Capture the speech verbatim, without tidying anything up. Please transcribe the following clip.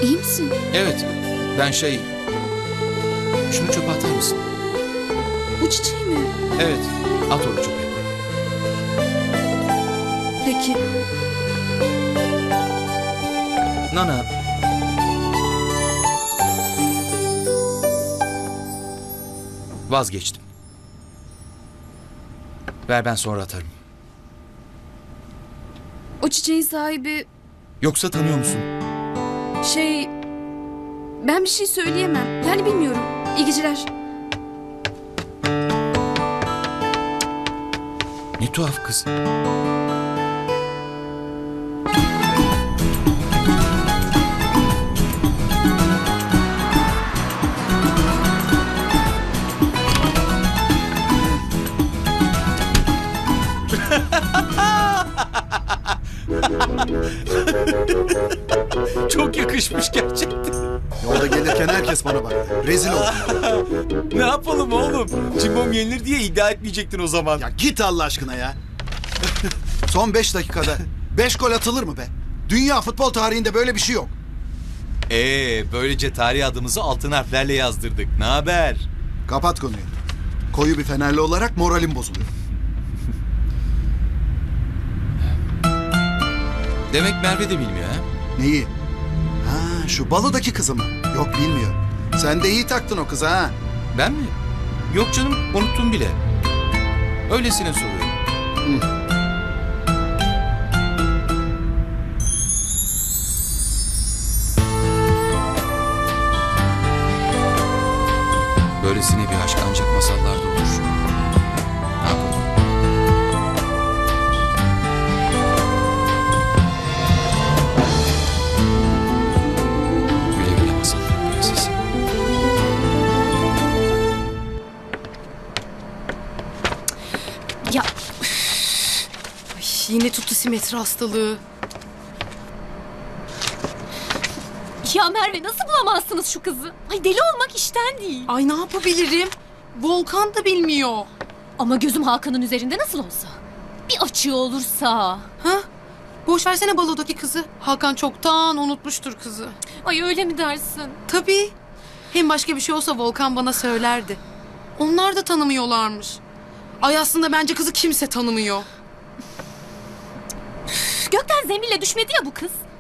İyi misin? Evet, ben şey... Şunu çöpe atar mısın? Bu çiçeği mi? Evet, at onu çöpe. Peki. Nana... Vazgeçtim. Ver, ben sonra atarım. O çiçeğin sahibi Yoksa tanıyor musun? şey... Ben bir şey söyleyemem. Yani bilmiyorum. İyi geceler. Ne tuhaf kız. Çok yakışmış gerçekten. Yolda gelirken herkes bana bak. Rezil oldum. Ne yapalım oğlum? Cimbom yenilir diye iddia etmeyecektin o zaman. Ya git Allah aşkına ya. Son beş dakikada beş gol atılır mı be? Dünya futbol tarihinde böyle bir şey yok. Ee, böylece tarih adımızı altın harflerle yazdırdık. Ne haber? Kapat konuyu. Koyu bir Fenerli olarak moralim bozuluyor. Demek Merve de bilmiyor ha? Neyi? Ha, şu balodaki kızı mı? Yok, bilmiyor. Sen de iyi taktın o kıza ha. Ben mi? Yok canım, unuttum bile. Öylesine soruyorum. Hı. Böylesine bir aşk ancak masallarda olur. Ne yapalım? Güle güle masal prensesi. Ya Ay, yine tuttu simetri hastalığı. Ya Merve nasıl bulamazsınız şu kızı? Ay deli olmak işten değil. Ay ne yapabilirim? Volkan da bilmiyor. Ama gözüm Hakan'ın üzerinde nasıl olsa. Bir açığı olursa. Ha? Boş versene balodaki kızı. Hakan çoktan unutmuştur kızı. Ay öyle mi dersin? Tabii. Hem başka bir şey olsa Volkan bana söylerdi. Onlar da tanımıyorlarmış. Ay aslında bence kızı kimse tanımıyor. Gökten zembille düşmedi ya bu kız.